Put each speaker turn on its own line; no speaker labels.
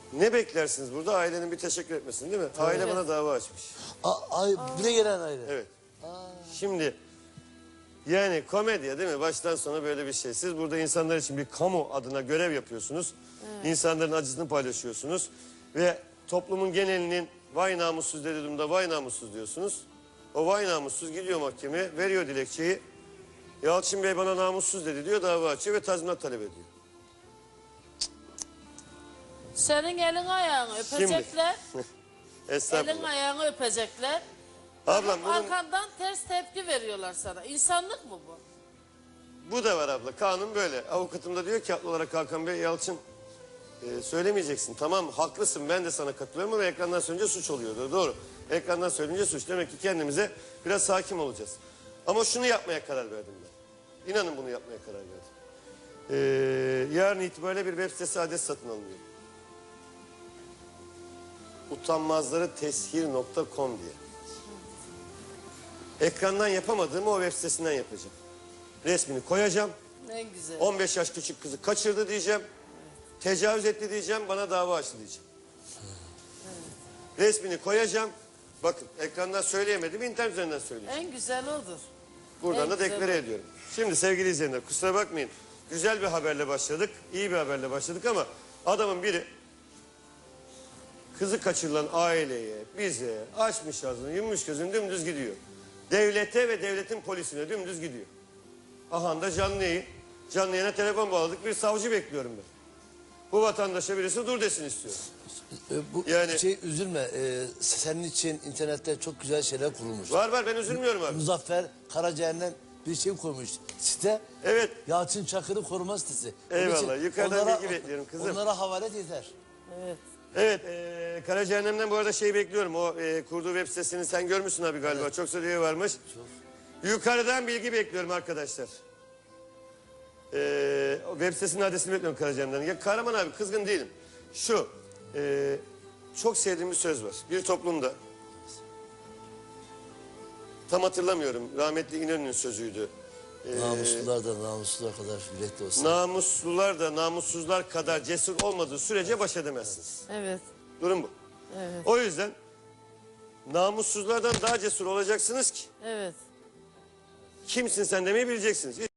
Ne beklersiniz burada? Ailenin bir teşekkür etmesini değil mi? Aile bana dava açmış.
Bir de gelen aile.
Evet. Şimdi yani komedya değil mi? Baştan sona böyle bir şey. Siz burada insanlar için bir kamu adına görev yapıyorsunuz. İnsanların acısını paylaşıyorsunuz. Ve toplumun genelinin vay namussuz dediğimde vay namussuz diyorsunuz. O vay namussuz gidiyor mahkemeye, veriyor dilekçeyi. Yalçın Bey bana namussuz dedi diyor, dava açıyor ve tazminat talep ediyor.
Senin elin ayağını öpecekler.
Estağfurullah.
Elin ayağını öpecekler.
Ablam bunun,
Arkandan ters tepki veriyorlar sana. İnsanlık mı bu?
bu da var abla. Kanun böyle. Avukatım da diyor ki haklı olarak Hakan Bey, Yalçın söylemeyeceksin. Tamam haklısın, ben de sana katılıyorum ama ekrandan söyleyince suç oluyordu. Doğru. Ekrandan söyleyince suç. Demek ki kendimize biraz hakim olacağız. Ama şunu yapmaya karar verdim ben. İnanın bunu yapmaya karar verdim. Yarın itibariyle bir web sitesi adres satın alınıyor. Utanmazlarıteshir.com diye. Ekrandan yapamadığımı o web sitesinden yapacağım. Resmini koyacağım.
En güzel.
15 yaş küçük kızı kaçırdı diyeceğim. Tecavüz etti diyeceğim, bana dava açtı diyeceğim. Resmini koyacağım. Bakın ekrandan söyleyemedim, internet üzerinden söyleyeceğim.
En güzel odur.
Buradan
en
da
güzel
deklare
o.
ediyorum. Şimdi sevgili izleyenler kusura bakmayın. Güzel bir haberle başladık, iyi bir haberle başladık ama adamın biri kızı kaçırılan aileye, bize açmış ağzını, yummuş gözünü dümdüz gidiyor. Devlete ve devletin polisine dümdüz gidiyor. Aha da canlı yayın. Canlı yayına telefon bağladık, bir savcı bekliyorum ben. Bu vatandaşa birisi dur desin istiyor. Yani-
Üzülme. Senin için internette çok güzel şeyler kurulmuş.
Var ben üzülmüyorum abi.
Muzaffer Karacaer'den bir şey koymuş site.
Evet.
Yalçın Çakır'ı koruma sitesi.
Eyvallah,
Onun için
yukarıdan bilgi bekliyorum kızım.
Onlara havalet yeter.
Evet.
Evet, Karacaahnem'den bu arada şeyi bekliyorum. O kurduğu web sitesini sen görmüşsün abi galiba.
Evet.
Çok sayıda üye varmış. Yukarıdan bilgi bekliyorum arkadaşlar. O web sitesinin adresini bekliyorum Karacaahnem'den. Ya Kahraman abi kızgın değilim. Şu, çok sevdiğim bir söz var. Bir toplumda, tam hatırlamıyorum, rahmetli İnönü'nün sözüydü.
Namuslular da namuslular kadar yürekli olsun.
Namuslular da namussuzlar kadar cesur olmadığı sürece baş edemezsiniz.
Evet.
Durum bu.
Evet.
O yüzden namussuzlardan daha cesur olacaksınız ki
Evet.
kimsin sen demeyi bileceksiniz.